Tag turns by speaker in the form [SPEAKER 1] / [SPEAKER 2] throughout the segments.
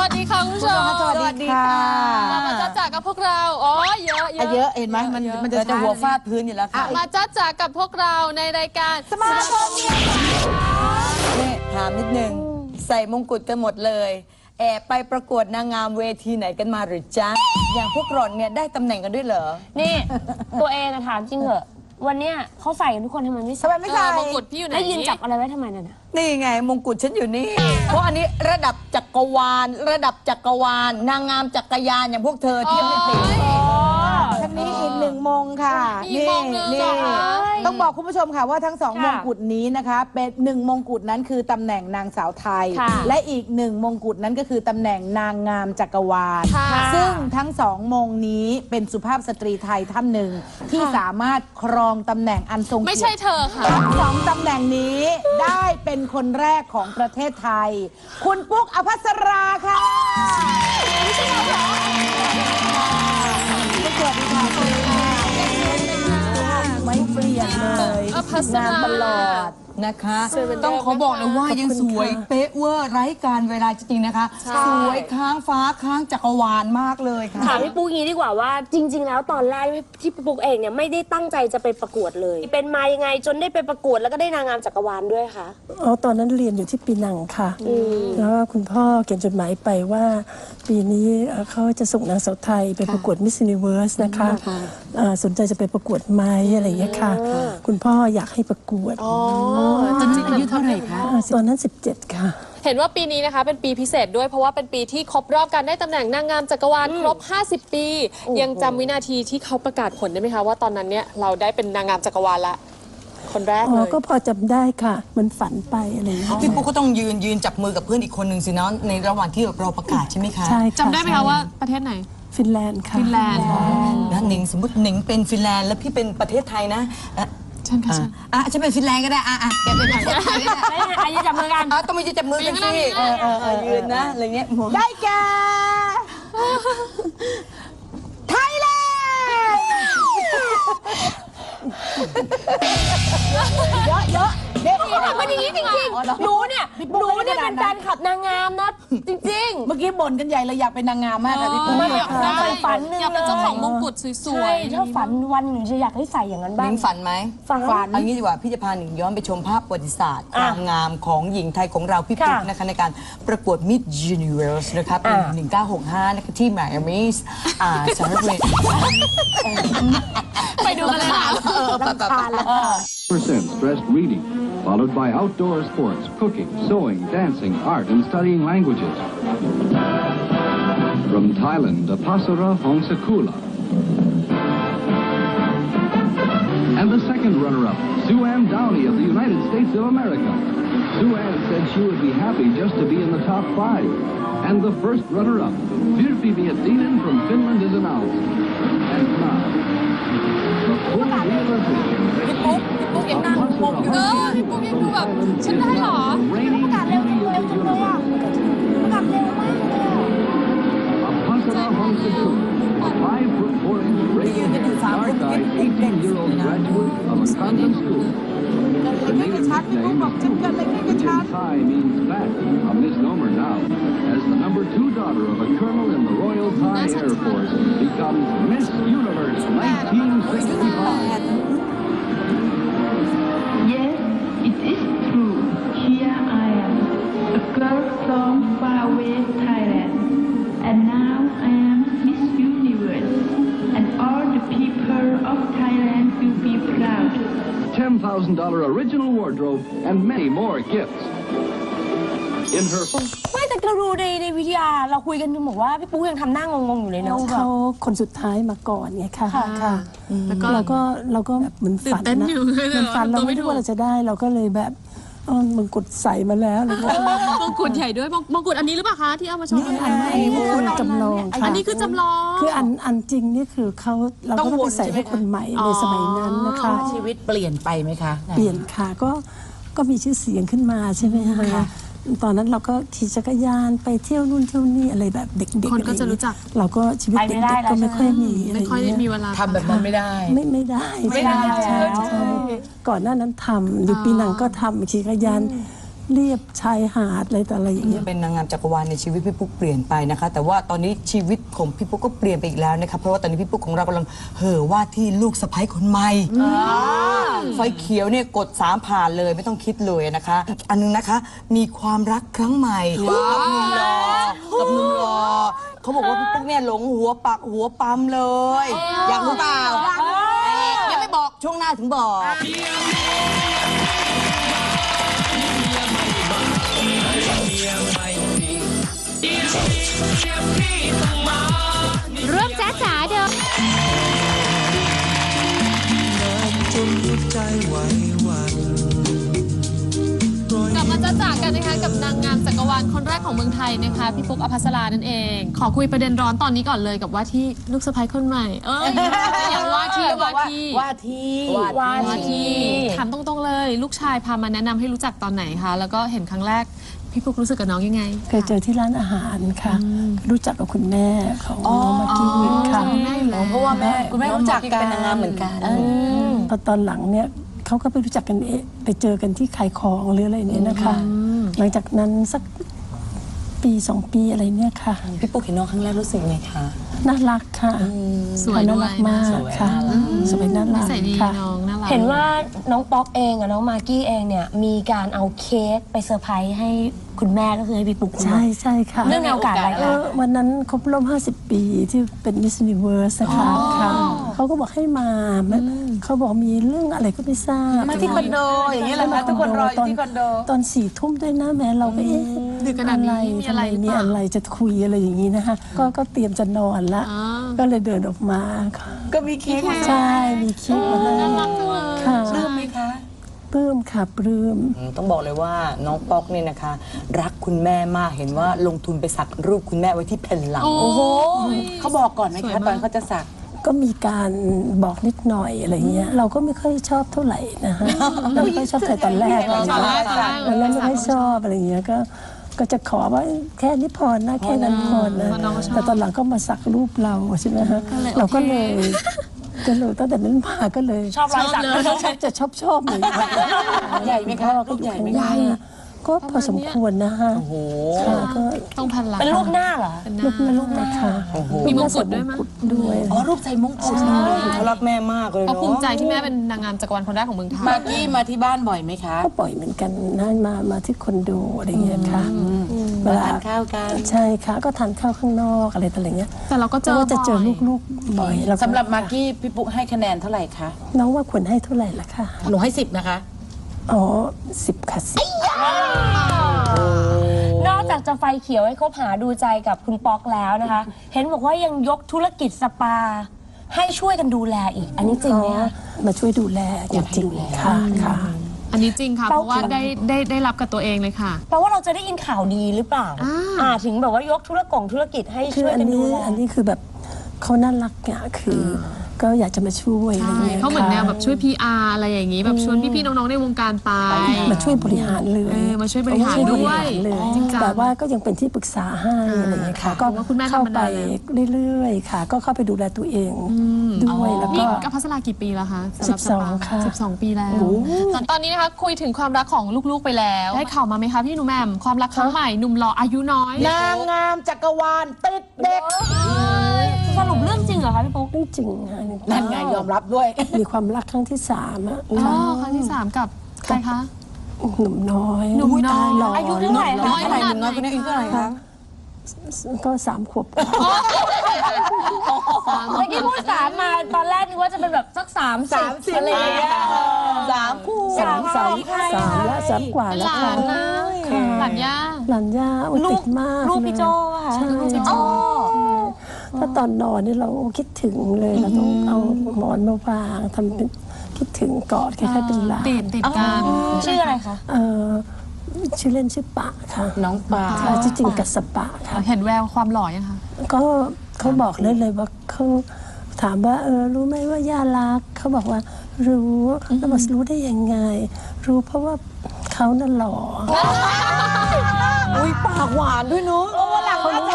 [SPEAKER 1] วัสดีค่ะคุณผู้ชม
[SPEAKER 2] สวัสดีค่ะ
[SPEAKER 1] มาจ้าจ๋ากับพวกเราอ๋อเยอะ
[SPEAKER 2] เห็นไหมมันจะหัวฟาดพื้นอยู่แล้วค่ะ
[SPEAKER 1] มาจ้าจ๋ากับพวกเราในรายการ
[SPEAKER 2] สมาคมเนี่ยถามนิดนึงใส่มงกุฎกันหมดเลยแอบไปประกวดนางงามเวทีไหนกันมาหรือจ๊ะอย่างพวกหล่อนเนี่ยได้ตำแหน่งกันด้วยเหรอ
[SPEAKER 3] นี่ตัวเองถามจริงเหรอวันเนี้ยเขาใส่กันทุกคนทำไมไม่ใส่
[SPEAKER 1] มงกุฎพี่อยู่ไหน
[SPEAKER 3] แล้วยืนจับอะไรไว้ทำไม
[SPEAKER 2] นี่ไงมงกุฎฉันอยู่นี่เพราะอันนี้ระดับจักรวาลนางงามจักรยานอย่างพวกเธอเทียบไม่ติด
[SPEAKER 4] ทั้งนี้อีก1 มงค่ะนี่ต้องบอกคุณผู้ชมค่ะว่าทั้ง2 มงกุฎนี้นะคะเป็น1 มงกุฎนั้นคือตำแหน่งนางสาวไทยและอีก1 มงกุฎนั้นก็คือตำแหน่งนางงามจักรวาลซึ่งทั้ง2 มงนี้เป็นสุภาพสตรีไทยท่านหนึ่งที่สามารถครองตำแหน่งอันทรงเกียรติ
[SPEAKER 1] ไม่ใช่เธอค่ะ
[SPEAKER 4] 2 ตำแหน่งนี้ได้เป็นคนแรกของประเทศไทยคุณปุ๊กอภัสราค่ะไม่ใช่เราเหรอสวัสดีค่ะไม่เปลี่ยนเลยงานตลอด
[SPEAKER 2] นะคะต้องขอบอกเลยว่ายังสวยเป๊ะเวอร์ไร้การเวลาจริงๆนะคะสวยค้างฟ้าค้างจักรวาลมากเลยค่ะ
[SPEAKER 3] ถามพี่ปุ๊กงี้ดีกว่าว่าจริงๆแล้วตอนแรกที่พี่ปุ๊กเองเนี่ยไม่ได้ตั้งใจจะไปประกวดเลยเป็นมายังไงจนได้ไปประกวดแล้วก็ได้นางงามจักรวาลด้วยคะ
[SPEAKER 5] ตอนนั้นเรียนอยู่ที่ปีนังค่ะแล้วคุณพ่อเขียนจดหมายไปว่าปีนี้เขาจะส่งนางสาวไทยไปประกวดมิสซินิเวิร์สนะคะสนใจจะไปประกวดไหมอะไรอย่างเงี้ยค่ะคุณพ่ออยากให้ประกวด
[SPEAKER 1] ตอนนี้อายุเท่าไหร่คะ
[SPEAKER 5] ตอนนั้น17ค่ะ
[SPEAKER 1] เห็นว่าปีนี้นะคะเป็นปีพิเศษด้วยเพราะว่าเป็นปีที่ครบรอบการได้ตำแหน่งนางงามจักรวาลครบ50 ปียังจำวินาทีที่เขาประกาศผลได้ไหมคะว่าตอนนั้นเนี่ยเราได้เป็นนางงามจักรวาลละคนแรกเลย
[SPEAKER 5] ก็พอจำได้ค่ะมันฝันไปอะไรอย่างเงี้ย
[SPEAKER 2] พี่ปุ๊กก็ต้องยืนจับมือกับเพื่อนอีกคนหนึ่งสิเนาะในระหว่างที่เราประกาศใช่ไหมคะ
[SPEAKER 5] ใช่
[SPEAKER 1] จำได้ไหมคะว่าประเทศไหน
[SPEAKER 5] ฟินแลนด์ค่ะ
[SPEAKER 1] ฟินแลนด์
[SPEAKER 2] นะหนิงสมมติหนิงเป็นฟินแลนด์แล้วพี่เป็นประเทศไทยนะ
[SPEAKER 1] ฉันค่ะ
[SPEAKER 2] ฉันเป็นฟินแลนด์ก็ได้แกเป็นประเทศไทยก็
[SPEAKER 3] ได้ยืนจับมือกัน
[SPEAKER 2] ต้องมาจับมือกันสิยืนนะอะไรเงี้ย
[SPEAKER 4] ได้แก่ไทยแลนด์เยอะ
[SPEAKER 3] นี่ทำมันอย่างนี้จริงๆหนูเนี่ยเป็นแฟนคลับนางงามนะจริง
[SPEAKER 4] ๆเมื่อกี้บ่นกันใหญ่เลยอยากเป็นนางงามมากค่ะพี่ปุ๊ก
[SPEAKER 1] อยากได้ฝันอยากเป็นเจ้าของมงกุฎสวย
[SPEAKER 3] ๆถ้าฝันวันหนึ่งจะอยากให้ใส่อย่างนั้นบ้าง
[SPEAKER 2] หนิงฝันไหม
[SPEAKER 3] ฝัน
[SPEAKER 2] เอางี้ดีกว่าพี่จะพาหนิงย้อนไปชมภาพประวัติศาสตร์ความงามของหญิงไทยของเราพี่ปุ๊กนะคะในการประกวด Miss Universe นะคะปี1965นะคะที่ไมอามีสหรัฐอเมริกา
[SPEAKER 1] ไปดูกันเลยค่ะ
[SPEAKER 6] % stressed reading, followed by outdoor sports, cooking, sewing, dancing, art, and studying languages. From Thailand, Apasara Hongsakula. And the second runner-up, Sue Ann Downey of the United States of America. Sue Ann said she would be happy just to be in the top 5. And the first runner-up, Virpi Miettinen from Finland, is announced. And now, the full realization that
[SPEAKER 1] พี่ปุ๊กยังนั่งงงอยู่พี่ปุ๊กยังดูแบบฉันได้หรอ
[SPEAKER 6] reigning beauty of the universe. Apasara Hongsakula, a 5'4" radiant, dark-eyed 18-year-old graduate of a convent school. The native nickname Thai means fat, a misnomer now, as the number 2 daughter of a colonel in the Royal Thai Air Force becomes Miss Universe 1965.
[SPEAKER 7] Yes, it is true. Here I am, a girl from faraway Thailand, and now I am Miss Universe, and all the people of Thailand will be proud.
[SPEAKER 6] $10,000 original wardrobe and many more gifts. In her
[SPEAKER 3] ไม่แต่เราดูในวิทยาเราคุยกันบอกว่าพี่ปุ๊กยังทำหน้างงๆอยู่เลยเนาะ
[SPEAKER 5] เขาคนสุดท้ายมาก่อนไงค่ะเราก็แบบเหมือนฝันนะเหมือนฝันเราไม่รู้ว่าเราจะได้เราก็เลยแบบมงกุฎใส่มาแล้ว
[SPEAKER 1] มงกุฎใหญ่ด้วยมงกุฎอันนี้หรือเปล่าคะที่เอามาโชว์
[SPEAKER 5] อันนี้มงกุฎจำลองค่ะ
[SPEAKER 1] อันนี้คือจำลอง
[SPEAKER 5] คืออันจริงนี่คือเราก็ต้องไปใส่ให้คนใหม่ในสมัยนั้นนะคะ
[SPEAKER 4] ชีวิตเปลี่ยนไปไหมคะ
[SPEAKER 5] เปลี่ยนค่ะก็มีชื่อเสียงขึ้นมาใช่ไหมคะตอนนั้นเราก็ขี่จักรยานไปเที่ยวนู่นเที่ยวนี่อะไรแบบเด็กๆ
[SPEAKER 1] คนก็จะรู้จัก
[SPEAKER 5] เราก็ชีวิตเด็กๆก็ไม่ค่อยมี
[SPEAKER 1] ไม่ค่อยได้มีเวลา
[SPEAKER 2] ทำแบบนั้นไม่ได้
[SPEAKER 5] ไม่ได้ก่อนหน้านั้นทำอยู่ปีนังก็ทำขี่จักรยานเรียบชายหาดอะไรต่ออะไรอย่างเงี้ย
[SPEAKER 2] เป็นนางงามจักรวาลในชีวิตพี่ปุ๊กเปลี่ยนไปนะคะ แต่ว่าตอนนี้ชีวิตของพี่ปุ๊กก็เปลี่ยนไปอีกแล้วนะคะเพราะว่าตอนนี้พี่ปุ๊กของเรากำลังเห่อว่าที่ลูกสะใภ้คนใหม่ไฟเขียวเนี่ยกด3ผ่านเลยไม่ต้องคิดเลยนะคะอีกอันนึงนะคะมีความรักครั้งใหม่กับหนุ่มรอเขาบอกว่าพี่ปุ๊กเนี่ยหลงหัวปักหัวปั๊มเลยอยากรู้เปล่ายังไม่บอกช่วงหน้าถึงบอก
[SPEAKER 8] ร่วมจ้าจ๋าเด้อ
[SPEAKER 1] กลับมาจ้าจ๋ากันนะคะกับนางงามจักรวาลคนแรกของเมืองไทยนะคะพี่ปุ๊กอภัสรานั่นเอง ขอคุยประเด็นร้อนตอนนี้ก่อนเลยกับว่าที่ลูกสะใภ้คนใหม่อย่างว่าที่ถามตรงๆเลยลูกชายพามาแนะนำให้รู้จักตอนไหนคะแล้วก็เห็นครั้งแรกพี่ปุ๊กรู้สึกกับน้องยังไง
[SPEAKER 5] เคยเจอที่ร้านอาหารค่ะ รู้จักกับคุณแม่ของน้องมากกี้ค่ะ
[SPEAKER 2] เพราะว่าคุณแม่รู้จักกันเป็นนางงามเหมือนกัน
[SPEAKER 5] ตอนหลังเนี่ยเขาก็ไปรู้จักกันไปเจอกันที่ขายของหรืออะไรเนี่ยนะคะหลังจากนั้นสักปี2 ปีอะไรเนี่ยค่ะ
[SPEAKER 2] พี่ปุ๊กเห็นน้องครั้งแรกรู้สึกไงคะ
[SPEAKER 5] น่ารักค่ะ
[SPEAKER 1] สวยด้วย
[SPEAKER 5] น่ารักมากค่ะสวยน่ารักค่ะ
[SPEAKER 3] เห็นว่าน้องป๊อกเองกับน้องมากกี้เองเนี่ยมีการเอาเค้กไปเซอร์ไพรส์ให้คุณแม่ก็คือให้พี่ปุ๊ก
[SPEAKER 5] ใช่ค่ะ
[SPEAKER 3] เรื่องในโอกาสอะไรคะ
[SPEAKER 5] วันนั้นครบรอบ50 ปีที่เป็นมิส s u นิเวิร์สนะคะเขาก็บอกให้มาเขาบอกมีเรื่องอะไรก็ไม่ทราบ
[SPEAKER 4] มาที่คอนโดอย่างนี้แหละคะทุกคนรออยู่ที่คอนโด
[SPEAKER 5] ตอน4 ทุ่มด้วยนะแม่เราก็
[SPEAKER 1] ดึกขนาดนี้
[SPEAKER 5] มีอะไรจะคุยอะไรอย่างนี้นะคะก็เตรียมจะนอนละก็เลยเดินออกมา
[SPEAKER 4] ก็มีเค้ก
[SPEAKER 5] ใช่มีเค้กมาให้ค่ะ
[SPEAKER 4] ปลื้มไหมคะ
[SPEAKER 5] ปลื้มค่ะปลื้ม
[SPEAKER 2] ต้องบอกเลยว่าน้องป๊อกเนี่ยนะคะรักคุณแม่มากเห็นว่าลงทุนไปสักรูปคุณแม่ไว้ที่แผ่นหลัง
[SPEAKER 4] โอ้โหเขาบอกก่อนไหมคะตอนเขาจะสัก
[SPEAKER 5] ก็มีการบอกนิดหน่อยอะไรเงี้ยเราก็ไม่ค่อยชอบเท่าไหร่นะคะเราไม่ค่อยชอบแต่ตอนแรกเราไม่ค่อยชอบอะไรเงี้ยก็จะขอว่าแค่นี้พอนะแค่นั้นพอนะแต่ตอนหลังก็มาสักรูปเราใช่ไหมคะเราก็เลยตั้งแต่นั้นมาก็เลย
[SPEAKER 3] ชอบรอยสัก
[SPEAKER 5] จะชอบเลย
[SPEAKER 4] ใหญ่ไหมคะ
[SPEAKER 5] ก็ใหญ่ไหมก็พอสมควรนะคะ
[SPEAKER 2] โอ้โห
[SPEAKER 5] ก็
[SPEAKER 1] ต้องพันหลัง
[SPEAKER 3] เป็นรูปหน้าเหรอ
[SPEAKER 5] รูปนะคะ
[SPEAKER 1] มีมงกุฎด้วยมั้ย
[SPEAKER 5] ด้วย
[SPEAKER 4] รูปใส่มงกุฎ
[SPEAKER 2] เขารักแม่มากเลยเนาะ
[SPEAKER 1] เขาภูมิใจที่แม่เป็นนางงามจักรวาลคนแรกของเมืองไทย
[SPEAKER 4] มากกี้มาที่บ้านบ่อยไหมคะ
[SPEAKER 5] ก็บ่อยเหมือนกันนะมาที่คอนโดอะไรเงี้ยค่ะ
[SPEAKER 4] เวลาทานข้าวกัน
[SPEAKER 5] ใช่ค่ะก็ทานข้าวข้างนอกอะไรต่างๆเงี้ย
[SPEAKER 1] แต่เราก็
[SPEAKER 5] จะเจอลูกๆบ่อย
[SPEAKER 4] สำหรับมากกี้พี่ปุ๊กให้คะแนนเท่าไหร่คะ
[SPEAKER 5] น้องว่าควรให้เท่าไหร่ล่ะคะ
[SPEAKER 4] หนูให้10นะคะ
[SPEAKER 5] อ๋อ10ค่ะ
[SPEAKER 3] นอกจากจะไฟเขียวให้คบหาดูใจกับคุณป๊อกแล้วนะคะเห็นบอกว่ายังยกธุรกิจสปาให้ช่วยกันดูแลอีกอันนี้จริงไหมคะ
[SPEAKER 5] มาช่วยดูแลจริงๆค่ะ
[SPEAKER 1] อันนี้จริงค่ะเพราะว่าได้รับกับตัวเองเลยค่ะ
[SPEAKER 3] แปลว่าเราจะได้ยินข่าวดีหรือเปล่าถึงแบบว่ายกธุรกิจให้ช่วยกันดูแล
[SPEAKER 5] อันนี้คือแบบเขาน่ารักอ่ะคือก็อยากจะมาช่วยอะไรเงี้ย
[SPEAKER 1] เขาเหมือนแนวแบบช่วย PR อะไรอย่างนี้แบบชวนพี่ๆน้องๆในวงการไป
[SPEAKER 5] มาช่วยบริหารเลย
[SPEAKER 1] มาช่วยบริหารด้วย
[SPEAKER 5] แต่ว่าก็ยังเป็นที่ปรึกษาให้อะไรเงี้ยค่ะก็เข้าไปเรื่อยๆค่ะก็เข้าไปดูแลตัวเองด้วยแล้วก็
[SPEAKER 1] อภัสรากี่ปีแล้วคะ
[SPEAKER 5] 12ค่ะ
[SPEAKER 1] 12 ปีแล้วตอนนี้นะคะคุยถึงความรักของลูกๆไปแล้วได้ข่าวมาไหมคะพี่หนูแหม่มความรักครั้งใหม่หนุ่มหล่ออายุน้อย
[SPEAKER 4] นางงามจักรวาลติดเด็ก
[SPEAKER 3] สรุปเรื่องจริงเหรอคะพี่ปุ๊ก
[SPEAKER 5] เรื่องจริงค่ะ
[SPEAKER 4] นั่นไงยอมรับด้วย
[SPEAKER 5] มีความรักครั้งที่3อ่ะ
[SPEAKER 1] ครั้งที่3กับใครคะ
[SPEAKER 5] หนุ่มน้อย
[SPEAKER 3] อายุเท่าไหร่คะ
[SPEAKER 4] หนุ่มน้อยคนนี้อายุเท่าไหร่คะ
[SPEAKER 5] ก็3 ขวบ
[SPEAKER 3] เมื่อกี้พูด3มาตอนแรกนึกว่าจะเป็นแบบสัก30อะไรอย่างเงี้ย
[SPEAKER 4] 3 คู่
[SPEAKER 5] 3และ3 กว่าแล้วค่ะ
[SPEAKER 1] หลาน
[SPEAKER 5] ย่าติดมาก
[SPEAKER 3] ลูกพี่โจ้ค่ะ
[SPEAKER 5] ใช่ถ้าตอนนอนนี่เราคิดถึงเลยเราต้องเอาหมอนมาวางทำเป็นคิดถึงกอดคล้ายๆเป็นหลาน
[SPEAKER 1] ติดกัน
[SPEAKER 3] ชื่ออะไรคะ
[SPEAKER 5] ชื่อเล่นชื่อปะค่ะ
[SPEAKER 4] น้องปะ
[SPEAKER 5] ชื่อจริงกัสปะค่ะ
[SPEAKER 1] เห็นแววความหล่อยังคะ
[SPEAKER 5] ก็เขาบอกเลยว่าเขาถามว่ารู้ไหมว่าย่ารักเขาบอกว่ารู้แล้วบอกรู้ได้ยังไงรู้เพราะว่าเขาน่ะหล่อ
[SPEAKER 4] อุ้ยปากหวานด้วยเนาะวันหลังเขาจะเอามาสั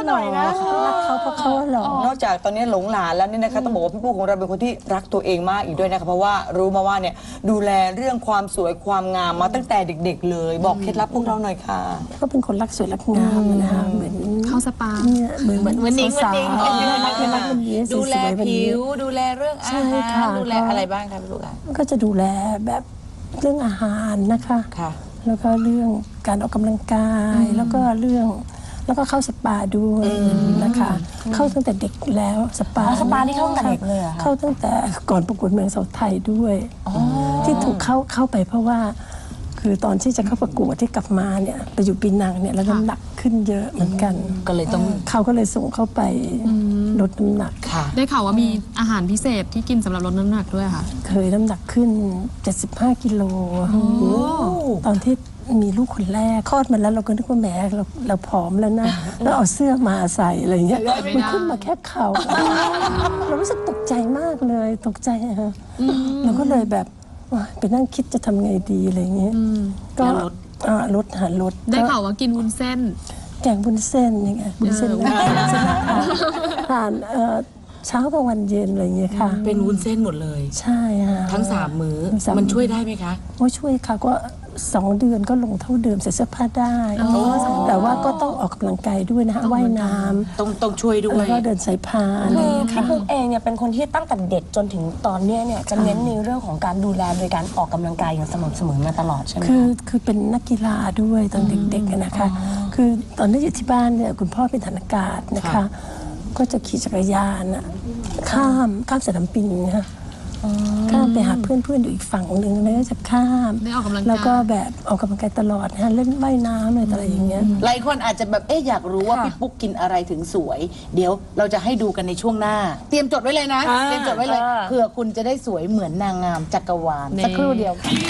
[SPEAKER 4] หน่อยนะ
[SPEAKER 5] รักเขาเพราะเขาหล่อ
[SPEAKER 2] นอกจากตอนนี้หลงหลานแล้วเนี่ยนะคะต้องบอกว่าพี่ปุ๊กของเราเป็นคนที่รักตัวเองมากอีกด้วยนะคะเพราะว่ารู้มาว่าเนี่ยดูแลเรื่องความสวยความงามมาตั้งแต่เด็กๆเลยบอกเคล็ดลับพวกเราหน่อยค่ะ
[SPEAKER 5] ก็เป็นคนรักสวยรักงามนะคะเหมือน
[SPEAKER 1] เข้าสปา
[SPEAKER 5] เนี่ยเหมือนนิ้งสาวๆรักวันนี้
[SPEAKER 4] ดูแล
[SPEAKER 5] สวยๆวัน
[SPEAKER 4] ผิ
[SPEAKER 5] นี้
[SPEAKER 4] วดูแลเรื่องอา
[SPEAKER 5] ใช่
[SPEAKER 4] หาร
[SPEAKER 5] ค่ะ
[SPEAKER 4] ดูแลอะไรบ้างคะพี่ลูกอ่ะ
[SPEAKER 5] ก็จะดูแลแบบเรื่องอาหารนะคะ
[SPEAKER 4] ค่ะ
[SPEAKER 5] แล้วก็เรื่องการออกกำลังกาย แล้วก็เรื่องแล้วก็เข้าสปาด้วยนะคะ เข้าตั้งแต่เด็กแล้วสปา
[SPEAKER 3] สปานี่เข้าตั้งแต่เด็กเลยเหรอคะ
[SPEAKER 5] เข้าตั้งแต่ก่อนประกวดเมืองเสาไทยด้วยที่ถูกเข้าไปเพราะว่า คือตอนที่จะเข้าประกวดที่กลับมาเนี่ยไปอยู่ปีนังเนี่ยแล้วน้ำหนักขึ้นเยอะเหมือนกัน
[SPEAKER 4] ก็เลยต้อง
[SPEAKER 5] เขาก็เลยส่งเข้าไปลดน้ำหนัก
[SPEAKER 4] ค่ะ
[SPEAKER 1] ได้ข่าวว่ามีอาหารพิเศษที่กินสำหรับลดน้ำหนักด้วยค่ะ
[SPEAKER 5] เคยน้ำหนักขึ้น 75 กิโลตอนที่มีลูกคนแรกคลอดมาแล้วเราก็นึกว่าแหมเราผอมแล้วนะแล้วเอาเสื้อมาใส่อะไรเงี้ยมันขึ้นมาแค่เข่าเรารู้สึกตกใจมากเลยตกใจอะฮะเราก็เลยแบบไปนั่งคิดจะทำไงดีอะไรเงี้ยก็ลดลด
[SPEAKER 1] ได้ข่าวว่ากินวุ้นเส้น
[SPEAKER 5] แกงวุ้นเส้นยังไงวุ้นเส้นทานเช้ากลางวันเย็นอะไรเงี้ยค่ะ
[SPEAKER 4] เป็นวุ้นเส้นหมดเลย
[SPEAKER 5] ใช่ค่ะ
[SPEAKER 4] ทั้ง3 มื้อ
[SPEAKER 5] สามมื้อ
[SPEAKER 4] มันช่วยได้ไหมคะ
[SPEAKER 5] โอ้ช่วยค่ะก็2 เดือนก็ลงเท่าเดิมใส่เสื้อผ้าได้แต่ว่าก็ต้องออกกำลังกายด้วยนะคะว่ายน้
[SPEAKER 4] ต้องช่วยด้
[SPEAKER 5] ำ
[SPEAKER 4] ว
[SPEAKER 5] แล้ว
[SPEAKER 4] ย
[SPEAKER 5] ก็เดินสายพานอะไร
[SPEAKER 3] คือ
[SPEAKER 5] เงี้ย
[SPEAKER 3] พี่
[SPEAKER 5] ค่ะ
[SPEAKER 3] ปุ๊กเองเนี่ยเป็นคนที่ตั้งแต่เด็กจนถึงตอนเนี้ยเนี่ยจะเน้นในเรื่องของการดูแลโดยการออกกำลังกายอย่างสม่ำเสมอมาตลอดใช่ไหม
[SPEAKER 5] คือเป็นนักกีฬาด้วยตอนเด็กๆอะนะคะ คือตอนที่อยู่ที่บ้านเนี่ยคุณพ่อเป็นฐานอากาศนะคะ ก็จะขี่จักรยานอะข้ามสนามบินนะคะข้ามไปหาเพื่อนๆอยู่อีกฝั่งหนึ่งแล้วก็จะข้าม
[SPEAKER 1] ได้ออกกำลังกาย
[SPEAKER 5] แล้วก็แบบออกกำลังกายตลอดนะคะเล่นว่ายน้ำอะไรอย่างเงี้ย
[SPEAKER 4] หลายคนอาจจะแบบอยากรู้ว่าพี่ปุ๊กกินอะไรถึงสวย เดี๋ยวเราจะให้ดูกันในช่วงหน้า เตรียมจดไว้เลยนะ เตรียมจดไว้เลยเผื่อคุณจะได้สวยเหมือนนางงามจักรวาลสักครู่เดียว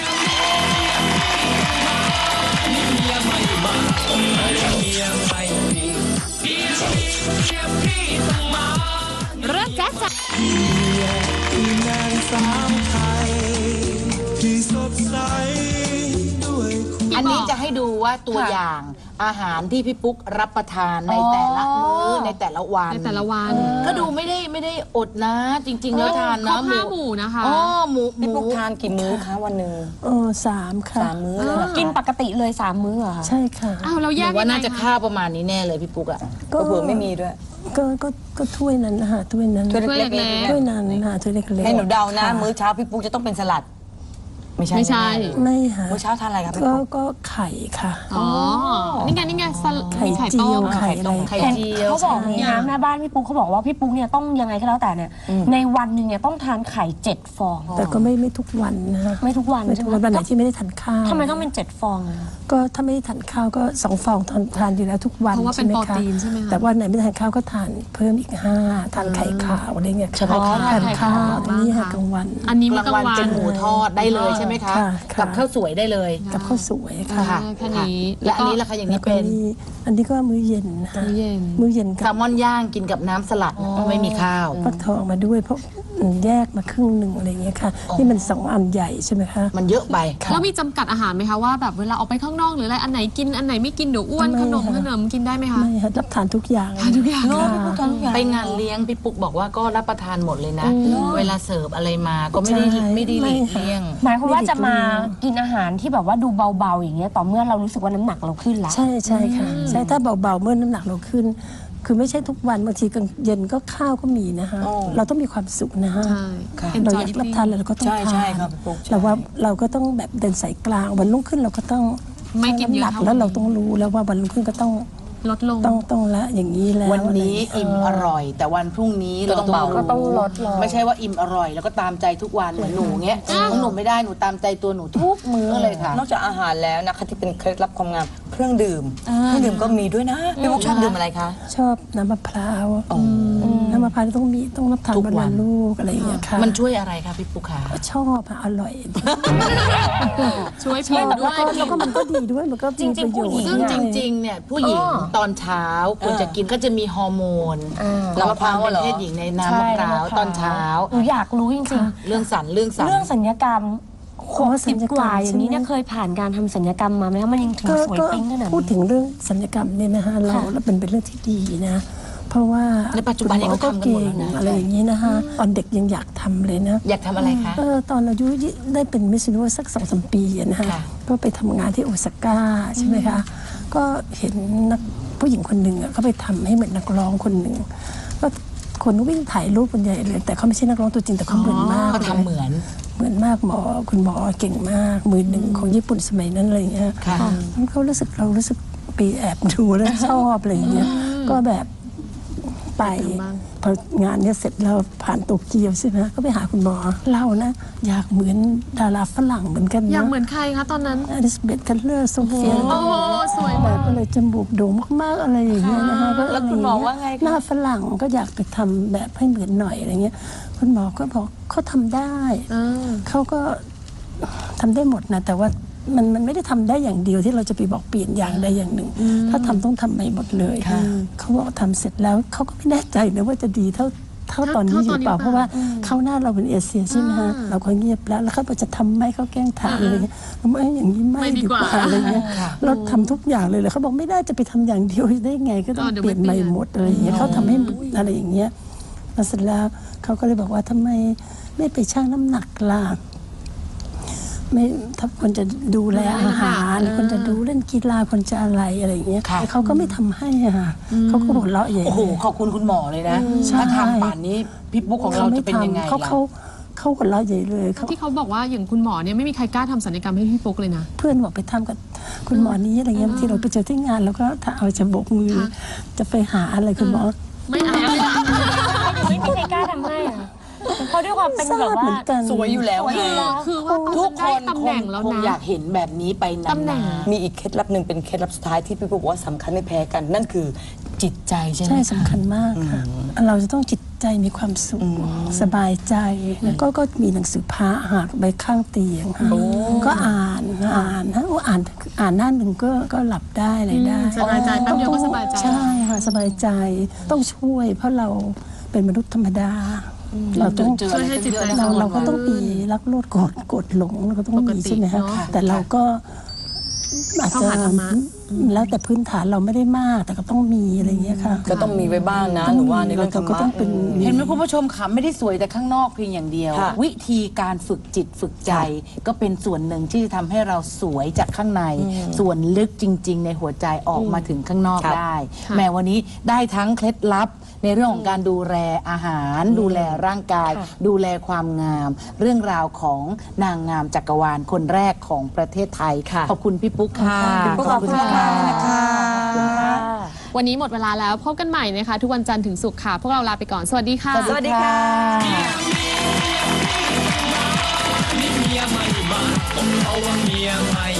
[SPEAKER 1] เริ่มแจ๊ะ
[SPEAKER 4] อันนี้จะให้ดูว่าตัวอย่างอาหารที่พี่ปุ๊กรับประทานในแต่ละมื้อในแต่ละวัน
[SPEAKER 1] ในแต่ละวัน
[SPEAKER 4] ก็ดูไม่ได้อดนะ จริง ๆ แล้วทาน
[SPEAKER 1] คร
[SPEAKER 4] นะ
[SPEAKER 1] บ5 หมู่นะคะ
[SPEAKER 4] หมู
[SPEAKER 2] พี่ปุ๊กทานกี่มื้อคะวันหนึ่ง
[SPEAKER 5] 3 ค่ะ
[SPEAKER 2] 3 มื้อเลยเหรอคะ
[SPEAKER 3] กินปกติเลย3 มื้อเหรอคะ
[SPEAKER 5] ใช่ค่ะ
[SPEAKER 1] อ้าวเรา
[SPEAKER 4] ห
[SPEAKER 1] แย
[SPEAKER 4] นู
[SPEAKER 1] ก
[SPEAKER 4] ว่า
[SPEAKER 1] ยังไง
[SPEAKER 4] น่าจะ
[SPEAKER 1] คะ
[SPEAKER 4] ข้าวประมาณนี้แน่เลยพี่ปุ๊กอะ
[SPEAKER 5] ก็
[SPEAKER 2] เผื่อไม่มีด้วย
[SPEAKER 5] ก็ถ้วยนั้นนะคะถ้วยนั้น
[SPEAKER 2] ถ้วยเล็กๆ
[SPEAKER 5] ถ้วยนั้นค่ะถ้วยเล็กๆ
[SPEAKER 2] ให้หนูเดานะ
[SPEAKER 5] ค่
[SPEAKER 2] มื้อเช้าพี่ปุ๊กจะต้องเป็นสลัด ไม่ใช่
[SPEAKER 1] ไม่ใช่
[SPEAKER 5] ไม่ค่ะ
[SPEAKER 2] มื้อเช้าทานอะไรครับพี่ปุ๊ก
[SPEAKER 5] ก็ไข่ค่ะ
[SPEAKER 1] อ๋อ นี่ไง
[SPEAKER 5] ไข่
[SPEAKER 1] มีไข่
[SPEAKER 5] เจี
[SPEAKER 1] ต้
[SPEAKER 5] ยว
[SPEAKER 1] ม
[SPEAKER 5] ไข่อะไร
[SPEAKER 4] ไข่เจียว
[SPEAKER 3] เขาบอกนี่นะแม่บ้านพี่ปุ๊กเขาบอกว่าพี่ปุ๊กเนี่ยต้องยังไงก็แล้วแต่เนี่ยในวันหนึ่งเนี่ยต้องทานไข่7 ฟอง
[SPEAKER 5] แต่ก็ไม่ทุกวันนะคะ
[SPEAKER 3] ไม่ทุกวัน
[SPEAKER 5] ไม่
[SPEAKER 3] ใช่
[SPEAKER 5] ทุก
[SPEAKER 3] ไหม
[SPEAKER 5] วันไหนที่ไม่ได้ทานข้าว
[SPEAKER 3] ทำไมต้องเป็น7 ฟองอะ
[SPEAKER 5] ก็ถ้าไม่ได้ทานข้าวก็2 ฟองทานอยู่แล้วทุกวัน
[SPEAKER 1] เพราะว่าเป็น
[SPEAKER 5] ใช่ไหม
[SPEAKER 1] โปร
[SPEAKER 5] คะ
[SPEAKER 1] ตีนใช่ไหมคะ
[SPEAKER 5] แต่วันไหนไม่ทานข้าวก็ทานเพิ่มอีก5ทานไข่ขาวอะไรเงี้ย
[SPEAKER 4] เฉพาะ
[SPEAKER 5] ทานข้าว
[SPEAKER 1] บ้าง
[SPEAKER 5] นี่ค่ะ
[SPEAKER 1] ค่ะ
[SPEAKER 5] กลางวัน
[SPEAKER 1] อันนี้
[SPEAKER 4] ก
[SPEAKER 1] มื้อ
[SPEAKER 4] ลาง
[SPEAKER 1] กลาง
[SPEAKER 4] วัน
[SPEAKER 1] วัน
[SPEAKER 4] เป็นหมูทอดได้เลยใช่ไหมคะ
[SPEAKER 5] ค่ะค่ะ
[SPEAKER 4] กับข้าวสวยได้เลย
[SPEAKER 5] กับข้าวสวยค่ะ
[SPEAKER 4] ค่ะ
[SPEAKER 1] แค่นี้
[SPEAKER 4] และอันนี้ล่ะคะอย่าง
[SPEAKER 5] แล้
[SPEAKER 4] นี้
[SPEAKER 5] วก็
[SPEAKER 4] เป็น
[SPEAKER 5] มีอันนี้ก็มื้อเย็นนะคะ
[SPEAKER 1] มื้อเย็น
[SPEAKER 5] มื้อเย็น
[SPEAKER 4] แซ
[SPEAKER 5] กับ
[SPEAKER 4] ลมอนย่างกินกับน้ำสลัดไม่มีข้าว
[SPEAKER 5] ฟักทองมาด้วยเพราะแยกมาครึ่งหนึ่งอะไรเงี้ยค่ะนี่มัน2 อันใหญ่ใช่ไหมคะ
[SPEAKER 4] มันเยอะไป
[SPEAKER 1] แล้วมีจำกัดอาหารไหมคะว่าแบบเวลาออกไปข้างนอกหรืออะไรอันไหนกินอันไหนไม่กินเดี๋ยวอ้วน
[SPEAKER 5] ไม่
[SPEAKER 1] ขนม
[SPEAKER 5] ค่ะ
[SPEAKER 1] ขนมกินได้ไหมคะ
[SPEAKER 5] ไม่ค่ะรับทานทุกอย่าง
[SPEAKER 1] ทุกอย่าง
[SPEAKER 5] ค่ะ
[SPEAKER 4] ไปงานเลี้ยงพี่ปุ๊กบอกว่าก็รับประทานหมดเลยนะ เวลาเสิร์ฟอะไรมาก็ไม่ได้
[SPEAKER 5] ใช่
[SPEAKER 4] ไม่ได้หลีก
[SPEAKER 5] ไม่ค่ะ
[SPEAKER 4] เลี่ยง
[SPEAKER 3] หมายความว่าจะมากินอาหารที่แบบว่าดูเบาๆอย่างเงี้ยต่อเมื่อเรารู้สึกว่าน้ำหนักเราขึ้นแล้ว
[SPEAKER 5] ใช่ค่ะใช่ถ้าเบาๆเมื่อน้ำหนักเราขึ้น คือไม่ใช่ทุกวันบางทีกลางเย็นก็ข้าวก็มีนะคะเราต้องมีความสุขนะคะ
[SPEAKER 1] ใช่
[SPEAKER 5] เรา
[SPEAKER 1] enjoy
[SPEAKER 5] อยากรับทานอะไรเราก็ต้อง
[SPEAKER 2] ใช่
[SPEAKER 5] ทาน
[SPEAKER 2] ใช่ครับพี่ปุ๊ก
[SPEAKER 5] เราว่าเราก็ต้องแบบเดินสายกลางวันรุ่งขึ้นเราก็ต้อง
[SPEAKER 1] ไม่กินเยอะ
[SPEAKER 5] ำหนัก
[SPEAKER 1] เท่า
[SPEAKER 5] แล้วเราต้องรู้แล้วว่าวันรุ่งขึ้นก็ต้อง
[SPEAKER 1] ลดลง
[SPEAKER 5] ต้องละอย่างนี้แล้ว
[SPEAKER 4] วันนี้อิ่มอร่อย แต่วันพรุ่งนี้เราต้องเบา
[SPEAKER 3] ก็ต้องลดลง
[SPEAKER 4] ไม่ใช่ว่าอิ่มอร่อยแล้วก็ตามใจทุกวันเหมือนหนูเงี้ยของหนูไม่ได้หนูตามใจตัวหนูทุกมื้อเลยค่ะ
[SPEAKER 2] นอกจากอาหารแล้วนะคะที่เป็นเคล็ดลับความงามเครื่องดื่มก็มีด้วยนะพี่ปุ๊กชอบดื่มอะไรคะ
[SPEAKER 5] ชอบน้ำมะพร้าวน้ำมะพร้าวต้องรับทาน
[SPEAKER 4] ทุก
[SPEAKER 5] วัน
[SPEAKER 4] วั
[SPEAKER 5] ละ
[SPEAKER 4] น
[SPEAKER 5] ลูกอะไรอย่างเงี้ยค่ะ
[SPEAKER 4] มันช่วยอะไรคะพี่ปุ๊กขา
[SPEAKER 5] ชอบค่ะอร่อย
[SPEAKER 1] ช่วยผิวด้
[SPEAKER 5] แล้ว
[SPEAKER 1] วย
[SPEAKER 5] ก็มันก็ดีด้วยมันก็มีประโยชน์
[SPEAKER 4] ซึ่งจริงๆเนี่ยผู้หญิงตอนเช้าควรจะกินก็จะมีฮอร์โมน
[SPEAKER 2] น้ำมะพร้าว
[SPEAKER 4] เป็น
[SPEAKER 2] เหรอ
[SPEAKER 4] เพศหญิงในน้ำมะพร้าวตอนเช้า
[SPEAKER 3] หนูอยากรู้จริง
[SPEAKER 4] เรื่องสัญ
[SPEAKER 3] ๆ เรื่องสัญญกรรม 60 กว่าอย่างนี้เนี่ยเคยผ่านการทำศัลยกรรมมาไหมคะมันยังถึงสวยปิ๊งขนาด
[SPEAKER 5] พูด
[SPEAKER 3] นี้
[SPEAKER 5] ถึงเรื่องศัลยกรรมเนี่ยนะคะเราเป็นเรื่องที่ดีนะ เพราะว่า
[SPEAKER 2] ในปัจจุบันนี้ก็ทำกันหมดแล้วนะ
[SPEAKER 5] อะไรอย่างนี้นะคะตอนเด็กยังอยากทำเลยนะ
[SPEAKER 2] อยากทำอะไรคะ
[SPEAKER 5] ตอนอายุได้เป็นมิสซิโนสัก2-3 ปีอะนะคะ
[SPEAKER 2] ค่ะ
[SPEAKER 5] ก็ไปทำงานที่โอซาก้าใช่ไหมคะก็เห็นนักผู้หญิงคนหนึ่งเขาไปทำให้เหมือนนักร้องคนหนึ่งก็คนวิ่งถ่ายรูปคนใหญ่เลยแต่เขาไม่ใช่นักร้องตัวจริงแต่เขาเหมือนมาก
[SPEAKER 2] เขาทำเหมือน
[SPEAKER 5] เหมือนมากคุณหมอเก่งมากมือหนึ่งของญี่ปุ่นสมัยนั้นอะไรอย่างเงี้ย
[SPEAKER 2] ค่ะ
[SPEAKER 5] เรารู้สึกไปแอบดูแล้วชอบอะไรอย่างเงี้ยก็แบบไปพองานเนี้ยเสร็จแล้วผ่านโตเกียวใช่ไหมก็ไปหาคุณหมอเรานะอยากเหมือนดาราฝรั่งเหมือนกันนะ
[SPEAKER 1] อยากเหมือนใครคะตอนนั้น
[SPEAKER 5] อลิซาเบธคัลเลอร์โซเฟีย
[SPEAKER 1] โอ้โหสวย
[SPEAKER 5] แบ
[SPEAKER 1] มาก
[SPEAKER 5] บก็เลยจมูกโด่งมากๆอะไรอย่างเงี้ยนะคะก็
[SPEAKER 2] แล้วคุณหมอว่าไงคะ
[SPEAKER 5] หน้าฝรั่งก็อยากไปทำแบบให้เหมือนหน่อยอะไรเงี้ยคุณหมอก็บอกเขาทำได้เขาก็ทำได้หมดนะแต่ว่ามันไม่ได้ทำได้อย่างเดียวที่เราจะไปบอกเปลี่ยนอย่างใดอย่างหนึ่ง ถ้าทำต้องทำใหม่หมดเลยเขาบอกทำเสร็จแล้วเขาก็ไม่แน่ใจนะว่าจะดีเท่าตอนนี้อยู่เปล่าเพราะว่าเขาหน้าเราเป็นเอเชียใช่ไหมฮะเราก็เงียบแล้วเขาบอกจะทำไหมเขาแกล้งถามอะไรเงี้ยไม่อย่างนี้ไม่ดีกว่าอะไรเงี้ยเราทำทุกอย่างเลยเขาบอกไม่ได้จะไปทำอย่างเดียวได้ไงก็ต้องเปลี่ยนใหม่หมดอะไรอย่างเงี้ยเขาทำให้อะไรอย่างเงี้ยแล้วเสร็จแล้วเขาก็เลยบอกว่าทำไมไม่ไปชั่งน้ำหนักล่ะไม่ถ้าคนจะดูแลอาหารคนจะดูเล่นกีฬาคนจะอะไรอย่างเงี้ยแต่เขาก็ไม่ทำให้อะค่ะเขาก็หัวเราะใหญ่
[SPEAKER 2] โอ้โหขอบคุณคุณหมอเลยนะถ้าทำป่านนี้พี่ปุ๊กของเราจะเป็นยังไง
[SPEAKER 5] เขาหัวเราะใหญ่เลย
[SPEAKER 1] ที่เขาบอกว่าอย่างคุณหมอเนี่ยไม่มีใครกล้าทำศัลยกรรมให้พี่ปุ๊กเลยนะ
[SPEAKER 5] เพื่อนบอกไปทำกับคุณหมอนี้อะไรเงี้ยที่เราไปเจอที่งานแล้วก็ถ้าเอาจะโบกมือจะไปหาอะไรคุณหมอ
[SPEAKER 1] ไม่เอา
[SPEAKER 3] ไม่มีใครกล้าทำให้อะเพราะด้วยความเป็นแบบว่า
[SPEAKER 2] สวยอยู่แล้วไง
[SPEAKER 1] คือว่า
[SPEAKER 2] ทุกคน
[SPEAKER 1] ตำแหน่งแล้ว
[SPEAKER 2] คง
[SPEAKER 1] นะ
[SPEAKER 2] อยากเห็นแบบนี้ไปนาน
[SPEAKER 1] ตำแหน่ง
[SPEAKER 2] มีอีกเคล็ดลับหนึ่งเป็นเคล็ดลับสุดท้ายที่พี่ปุ๊กบอกว่าสำคัญไม่แพ้กัน นั่นคือจิตใจใช่ไหม
[SPEAKER 5] ใช่
[SPEAKER 2] คะ
[SPEAKER 5] สำคัญมากค่ะเราจะต้องจิตใจมีความสุขสบายใจแล้วก็มีหนังสือพระหากไปข้างเตียงค่ะก็อ่านฮะอ่านหน้าหนึ่งก็หลับได้อะไรได้
[SPEAKER 1] สบายใจแป๊บเดียวก็สบายใจ
[SPEAKER 5] ใช่ค่ะสบายใจต้องช่วยเพราะเราเป็นมนุษย์ธรรมดาเราต้อง
[SPEAKER 1] ช่วยให้จิตใจ
[SPEAKER 5] เราก็ต้องมีรักโลภโกรธหลงเราก็ต้อง
[SPEAKER 1] ปก
[SPEAKER 5] มี
[SPEAKER 1] ติ
[SPEAKER 5] ใช่ไหมคะ
[SPEAKER 1] เนอะ
[SPEAKER 5] แต่เราก็อาจ
[SPEAKER 1] เข้า
[SPEAKER 5] จะ
[SPEAKER 1] หาธรรมะ
[SPEAKER 5] แล้วแต่พื้นฐานเราไม่ได้มากแต่ก็ต้องมีอะไรอย่างเงี้ยค่ะ
[SPEAKER 2] ก็ต้องมีไว้บ้างนะหนูว่าในเรื่องธรร
[SPEAKER 5] ก็
[SPEAKER 2] มะ
[SPEAKER 5] ต้องเป็น
[SPEAKER 8] เห็นไหมคุณผู้ชมคะไม่ได้สวยแต่ข้างนอกเพียงอย่างเดียว
[SPEAKER 2] ค่ะ
[SPEAKER 8] วิธีการฝึกจิตฝึกใจก็เป็นส่วนหนึ่งที่จะทำให้เราสวยจากข้างใน ส่วนลึกจริง ๆ ในหัวใจออกมาถึงข้างนอกได้ แม้วันนี้ได้ทั้งเคล็ดลับในเรื่องของการดูแลอาหาร ดูแลร่างกาย ดูแลความงาม เรื่องราวของนางงามจักรวาลคนแรกของประเทศไทย
[SPEAKER 2] ค่ะ
[SPEAKER 8] ขอบคุณพี่ปุ๊กค่ะ
[SPEAKER 2] ขอบคุณมากๆนะคะ
[SPEAKER 1] วันนี้หมดเวลาแล้วพบกันใหม่นะคะ ทุกวันจันทร์ถึงศุกร์ค่ะ พวกเราลาไปก่อน สวัสดีค่ะ
[SPEAKER 2] สวัสดีค่ะ
[SPEAKER 9] เมียใหม่บ้านต้องเอาว่าเมียใหม่